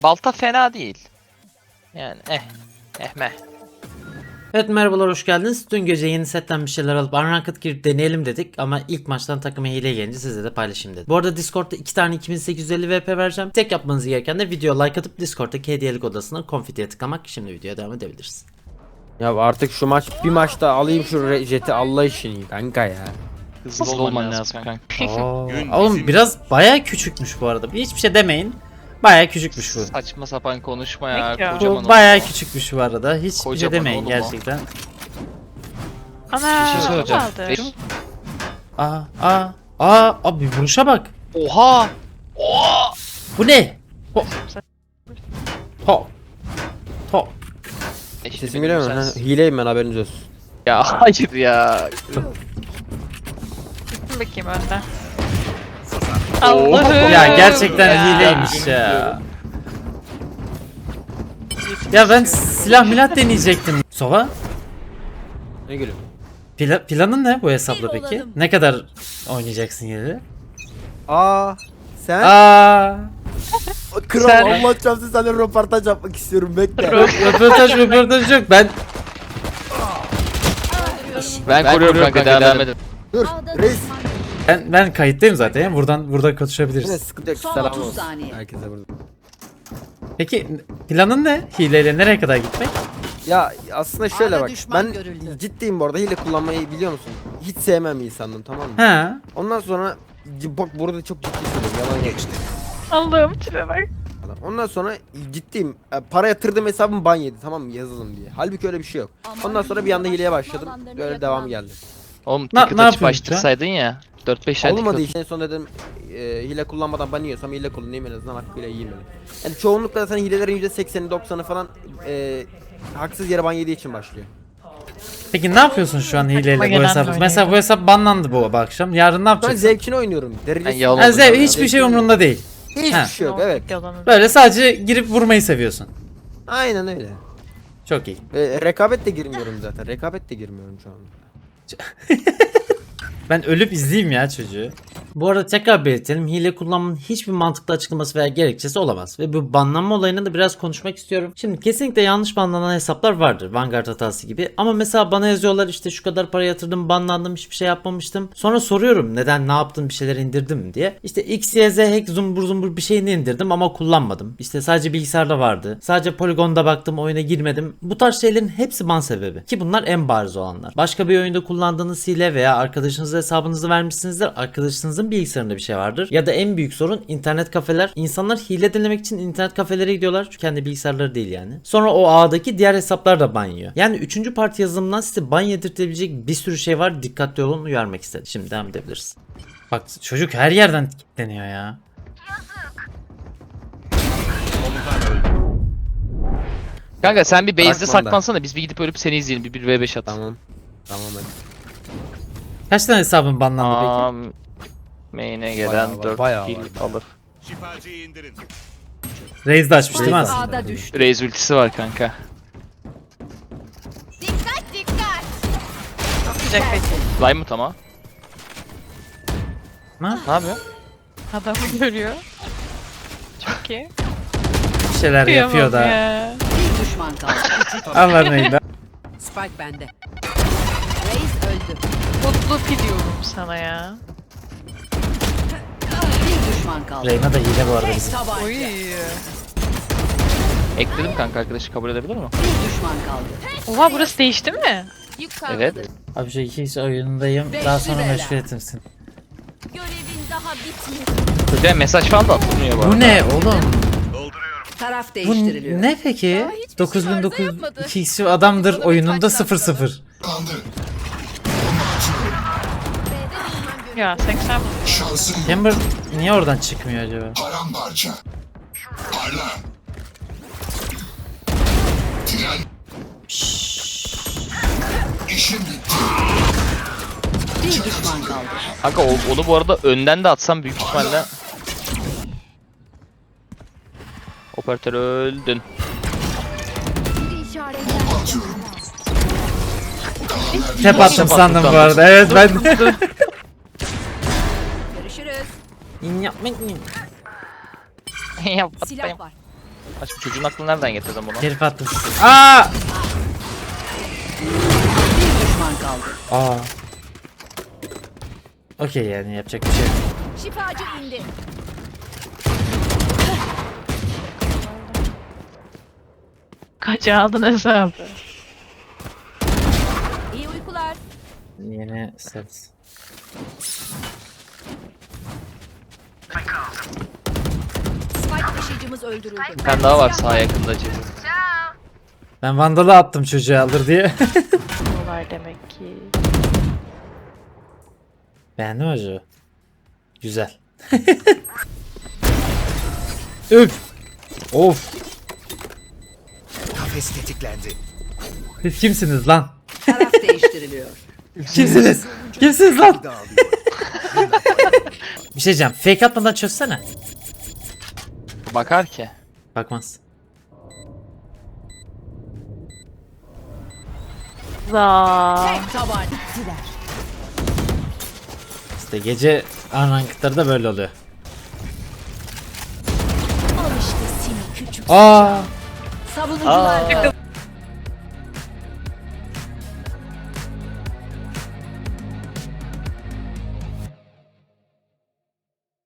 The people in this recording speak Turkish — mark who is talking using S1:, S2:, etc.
S1: Balta fena değil. Yani meh.
S2: Evet, merhabalar, hoş geldiniz. Dün gece yeni setten bir şeyler alıp Unranked girip deneyelim dedik ama ilk maçtan takıma hile gelince sizle de paylaşayım dedim. Bu arada Discord'da 2 tane 2850 VP vereceğim. Tek yapmanız gereken de video like atıp Discord'daki hediyelik odasına konfitiye tıklamak. Şimdi videoya devam edebiliriz.
S3: Ya artık şu maç bir maçta alayım şu jeti Allah için kanka ya.
S1: Hızlı olman lazım kanka.
S2: Oğlum biraz bayağı küçükmüş bu arada. Hiçbir şey demeyin. Bayağı küçükmüş bu.
S1: Saçma sapan konuşma ya.
S4: Ya.
S1: Kocaman
S2: Bu bayağı küçükmüş bu arada. Hiçbir şey
S1: Kocaman
S2: demeyin
S1: oğlum o.
S2: gerçekten.
S4: Ana,
S1: Bir şey söyleyeceğim.
S4: kaldı.
S2: Abi vuruşa bak.
S1: Oha!
S2: Bu ne? Ho.
S3: Sesim geliyor mu? Ha, hileyim ben, haberiniz olsun.
S1: Ya hayır ya.
S4: Gittim bakayım önden.
S1: Oo.
S4: Allah'ım.
S2: Ya gerçekten
S1: Ya.
S2: hileymiş ya. Ya ben silah milat deneyecektim. Sova?
S3: Ne gülüyorum?
S2: Planın ne bu hesapla peki? Ne kadar oynayacaksın yeri?
S3: Sen?
S2: Aa,
S3: Kral
S2: sen-
S3: Allah çarpsın, seninle röportaj yapmak istiyorum, bekle.
S2: röportaj yok.
S1: Ben koruyorum kanka, devam edin.
S3: Dur reis.
S2: Ben kayıttayım zaten ya. Buradan
S3: Yine
S2: konuşabiliriz.
S3: sıkıntı yok,
S5: Son
S3: selam
S5: 30
S3: olsun.
S5: saniye.
S3: Herkese burada.
S2: Peki planın ne? Hileyle nereye kadar gitmek?
S3: Ya aslında şöyle
S5: A'da
S3: bak,
S5: düşman
S3: ben
S5: görüldü.
S3: ciddiyim bu arada, hile kullanmayı biliyor musun? Hiç sevmem insandım, tamam mı?
S2: Ha?
S3: Ondan sonra bak burada çok ciddi söylüyorum, yalan geçti.
S4: Allah'ım tipe bak.
S3: Ondan sonra ciddiyim, para yatırdım, hesabım ban yedi, tamam mı, yazılım diye. Halbuki öyle bir şey yok. Ondan sonra bir anda hileye başladım, böyle devam geldi.
S1: Oğlum
S2: Ne
S1: ticket açıp
S2: yapıyorsun
S1: açtırsaydın ya. 4-5 tane
S3: Olmadı
S1: ticket.
S3: işte, en son dedim hile kullanmadan ban yiyorsam hile kullanayım, en azından hakkıyla yiyeyim dedim. Yani çoğunlukla zaten hilelerin %80'i 90'ı falan haksız yere ban yediği için başlıyor.
S2: Peki ne yapıyorsun şu an hileyle bu
S4: gelen
S2: hesap?
S4: böyle.
S2: Mesela bu hesap banlandı bu akşam. Yarın ne
S3: Ben
S2: yapacaksın?
S3: zevkini oynuyorum. Derecesi.
S1: yalan
S2: Ha,
S1: oldu.
S2: hiçbir şey umrunda değil.
S3: Hiçbir
S2: Ha.
S3: şey yok, evet.
S2: Böyle sadece girip vurmayı seviyorsun.
S3: Aynen öyle.
S2: Çok iyi.
S3: Rekabet de girmiyorum zaten. Rekabet de girmiyorum şu an.
S2: Ben ölüp izleyeyim ya çocuğu. Bu arada tekrar belirtelim. Hile kullanmanın hiçbir mantıklı açıklaması veya gerekçesi olamaz. Ve bu banlanma olayını da biraz konuşmak istiyorum. Şimdi kesinlikle yanlış banlanan hesaplar vardır. Vanguard hatası gibi. Ama mesela bana yazıyorlar, işte şu kadar para yatırdım, banlandım, hiçbir şey yapmamıştım. Sonra soruyorum neden, ne yaptın, bir şeyler indirdim mi diye. İşte X, Y, Z hack zumbur zumbur bir şeyini indirdim ama kullanmadım. İşte sadece bilgisayarda vardı. Sadece poligonda baktım, oyuna girmedim. Bu tarz şeylerin hepsi ban sebebi. Ki bunlar en bariz olanlar. Başka bir oyunda kullandığınız hile veya arkadaşınıza hesabınızı vermişsinizdir. Arkadaşınızın bilgisayarında bir şey vardır. Ya da en büyük sorun internet kafeler. İnsanlar hile denemek için internet kafelere gidiyorlar. Çünkü kendi bilgisayarları değil yani. Sonra o ağdaki diğer hesaplar da ban yiyor. Yani 3. parti yazılımdan size ban yedirtebilecek bir sürü şey var. Dikkatli olun, uyarmak istedim. Şimdi devam edebiliriz. Bak çocuk her yerden kilitleniyor ya.
S1: Kanka sen bir base'de
S3: Bırakmam da.
S1: saklansana, biz bir gidip ölüp seni izleyelim. Bir 1v5 at.
S3: Tamam. Tamam hadi.
S2: Kaç tane hesabın banlandı peki?
S1: Main'e gelen
S3: Bayağı var,
S1: 4
S3: bayağı
S1: kill
S3: var.
S1: alır.
S6: Şifacıyı indirin.
S2: Raze de açmış değil mi aslında?
S5: A'da düştü.
S1: Raze ultisi var kanka.
S4: Yapacak peki.
S1: Lime mı tamam?
S2: Ha?
S1: Ne yapıyor?
S4: Adamı görüyor. Çok iyi.
S2: Bir şeyler yapıyor da.
S4: Ya.
S5: Bir düşman kaldı.
S2: Allah neydi?
S5: Spike bende. Reis öldü.
S4: Mutlu piliyorum sana ya.
S5: Bir düşman kaldı.
S2: Reyna da hile bu arada bizim.
S5: Tabanca.
S4: Oy.
S1: Ekledim kanka, arkadaşı kabul edebilir mi?
S5: Bir düşman kaldı.
S4: Oha, burası değişti mi?
S1: Evet.
S2: Abi şu iki oyunundayım. Daha sonra
S5: Beşli
S2: meşgul etimsin.
S5: Görevin daha bitmedi.
S1: Çocuğa mesaj falan da atılmıyor bu arada.
S2: Bu ne oğlum?
S5: Taraf
S2: Bu
S5: değiştiriliyor.
S2: ne peki? 9902 adamdır oyununda 0-0.
S4: Ya 80.
S2: Chamber niye oradan çıkmıyor acaba?
S7: Paramparça. Parla. Tren. İşim bitti.
S5: Bir düşman kaldı.
S1: Kanka onu bu arada önden de atsam büyük ihtimalle. Operatör öldün.
S7: Atıyorum.
S2: Tep attım sandım bu arada. Evet ben de.
S5: Görüşürüz.
S2: Yapmak mı?
S5: Silah var.
S1: Aşkım çocuğun aklını nereden getirdin bunu?
S2: Herif attım. Aa!
S5: Bir düşman kaldı.
S2: Aa. Okey yani yapacak bir şey yok.
S5: Şifacı indi.
S4: Kaç aldın hesabı?
S5: İyi uykular.
S2: Yeni set.
S5: Spike taşıyıcımız öldürüldü.
S1: Bir tane daha var sağ yakında Cedi.
S2: Ben Vandal'ı attım çocuğa alır diye.
S4: Dolar demek ki.
S2: Beğendin mi acaba? Güzel. Üf. Of.
S6: Kafes tetiklendi.
S2: Siz kimsiniz lan?
S5: Taraf değiştiriliyor.
S2: Kimsiniz? Kimsiniz lan?
S6: Dağılıyor.
S2: Bir şey diyeceğim. Fake atmadan çözsene.
S1: Bakar ki.
S2: Bakmaz.
S4: Za.
S5: Tek taban. Gider.
S2: İşte gece unranked'ları da böyle oluyor.
S5: Al işte seni küçük.
S2: Aa.
S5: Savunucular.